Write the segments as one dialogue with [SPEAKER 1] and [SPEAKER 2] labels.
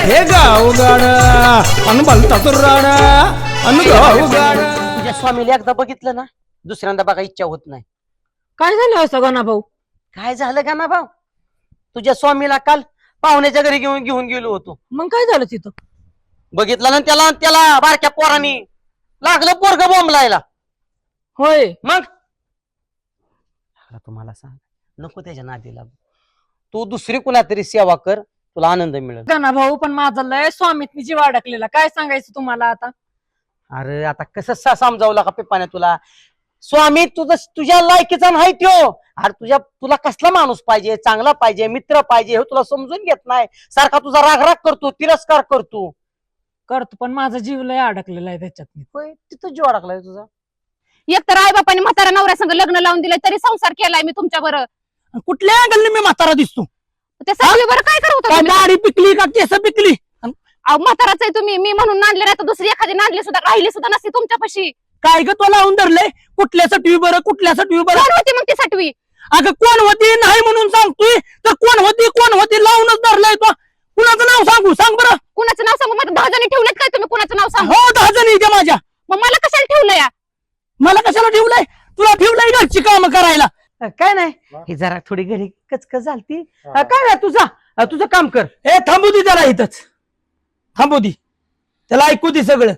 [SPEAKER 1] हे गावगाड अन भलता तुराड अन गावगाड.
[SPEAKER 2] तुझ्या स्वामीला एकदा बघितलं ना दुसऱ्यांदा बघा इच्छा होत नाही.
[SPEAKER 3] काय झालं असं गाना भाऊ?
[SPEAKER 2] काय झालं का ना भाऊ, तुझ्या स्वामीला काल पाहुण्याच्या घरी घेऊन घेऊन गेलो होतो.
[SPEAKER 3] मग काय झालं तिथं?
[SPEAKER 2] बघितलं ना त्याला त्याला बारक्या पोरांनी लागलं पोरग बोंबलायला.
[SPEAKER 3] होय.
[SPEAKER 2] मग तुम्हाला सांग नको त्याच्या नादी लागू. तू दुसरी कुणातरी सेवा कर, तुला आनंद मिळेल.
[SPEAKER 3] गाना भाऊ पण माझा लय स्वामीतनी जीव अडकलेला. काय सांगायचं तुम्हाला आता?
[SPEAKER 2] अरे आता कसं समजावला का पेपाने तुला? स्वामी तुझ्या लायकीचा नाही त्यो. अरे तुला कसला माणूस पाहिजे, चांगला पाहिजे, मित्र पाहिजे हे तुला समजून घेत नाही. सारखा तुझा राग करतो, तिरस्कार करतो.
[SPEAKER 3] पण माझा जीव लय अडकलेला आहे त्याच्यात.
[SPEAKER 2] होय तिथं जीव अडकलाय तुझा.
[SPEAKER 4] एक तर आई बापाने म्हातारा नवऱ्या संग लग्न लावून दिलंय तरी संसार केलाय मी तुमच्या बरं.
[SPEAKER 1] कुठल्या गल्ली मी म्हातारा दिसतो?
[SPEAKER 4] त्या सगळी बरं काय करत
[SPEAKER 1] काय दाढी पिकली का केस पिकली?
[SPEAKER 4] म्हाताराच आहे तुम्ही. मी म्हणून नांदले नाही तर दुसरी एखादी नांदली सुद्धा राहिली सुद्धा नसती तुमच्यापाशी.
[SPEAKER 1] काय ग तो लावून धरलंय? कुठल्यासाठी बरं कुठल्यासाठी बरं?
[SPEAKER 4] कोण होती मग ती सटवी?
[SPEAKER 1] अगं कोण होती नाही म्हणून सांगतोय तर कोण होती लावूनच धरलंय तो. कुणाचं नाव सांगू सांग बरं?
[SPEAKER 4] कुणाचं नाव सांगू? मला 10 जणी ठेवलेत काय तुम्ही? कुणाचं नाव सांगू?
[SPEAKER 1] हो 10 जणी इथे माझ्या.
[SPEAKER 4] मग मला कशाला ठेवलं या?
[SPEAKER 1] मला कशाला ठेवलंय? तुला ठेवलंय घरची काम करायला.
[SPEAKER 2] काय नाही, ही जरा थोडी घरी कचकच झालती. काय नाही तुझं काम कर.
[SPEAKER 1] ए थांबू दे त्याला इथंच. थांबू दे त्याला, ऐकू दे सगळं.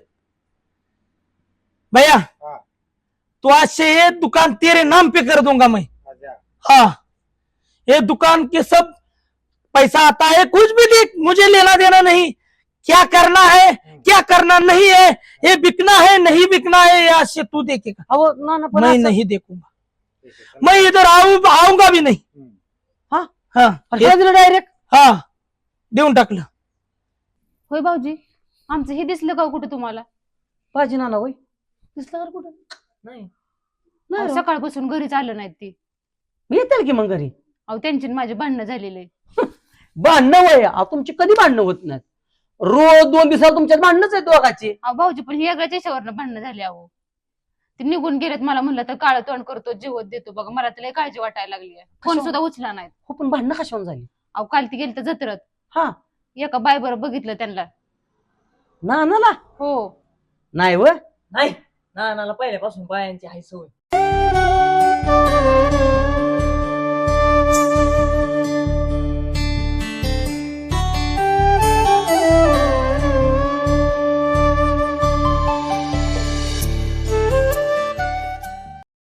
[SPEAKER 1] भैया तो आज से ये दुकान तेरे नाम पे कर दूंगा मैं. हाँ ये दुकान के सब पैसा आता है, कुछ भी देख मुझे लेना देना नहीं. क्या करना है क्या करना नहीं है, ये बिकना है नहीं बिकना है, ये आज से तू देखेगा.
[SPEAKER 2] अहो ना पण
[SPEAKER 1] मैं
[SPEAKER 2] असं-
[SPEAKER 1] नहीं देखूंगा. मैं इधर आऊंगा भी नहीं.
[SPEAKER 2] हाँ?
[SPEAKER 1] हाँ
[SPEAKER 2] डायरेक्ट
[SPEAKER 1] हाँ देऊन टाकलं.
[SPEAKER 4] होय भाऊजी, आमचं हे दिसलं का कुठे तुम्हाला?
[SPEAKER 2] पाहिजे ना होय दिसलं का कुठं? नाही
[SPEAKER 4] अहो,
[SPEAKER 2] नाही
[SPEAKER 4] सकाळपासून घरीच आलं नाहीत ती.
[SPEAKER 2] येतील की मग घरी.
[SPEAKER 4] अहो त्यांची आणि माझे भांडणं झालेले.
[SPEAKER 2] भांडणं वय तुमची कधी भांडणं होत नाहीत. रोज 2 दिवसात तुमच्यात भांडणच आहे दोघाची.
[SPEAKER 4] अहो भाऊजी पण हे वेगळ्याच याच्यावरनं भांडणं झाले. अहो ते निघून गेलेत. मला म्हणलं तर काळ तोंड करतो, जीवत देतो. बघा मला त्याला काळजी वाटायला लागली. फोन
[SPEAKER 2] कशावर?
[SPEAKER 4] सुद्धा उचला नाहीत.
[SPEAKER 2] हो पण भांडणं कशावर झाली?
[SPEAKER 4] अहो काल ती गेली तर जत्रत.
[SPEAKER 2] हा
[SPEAKER 4] एका बाय बरं बघितलं त्यांना.
[SPEAKER 2] ना
[SPEAKER 4] हो
[SPEAKER 2] नाही व
[SPEAKER 3] नाही, नानाला पहिल्यापासून बायांची हाय सवय.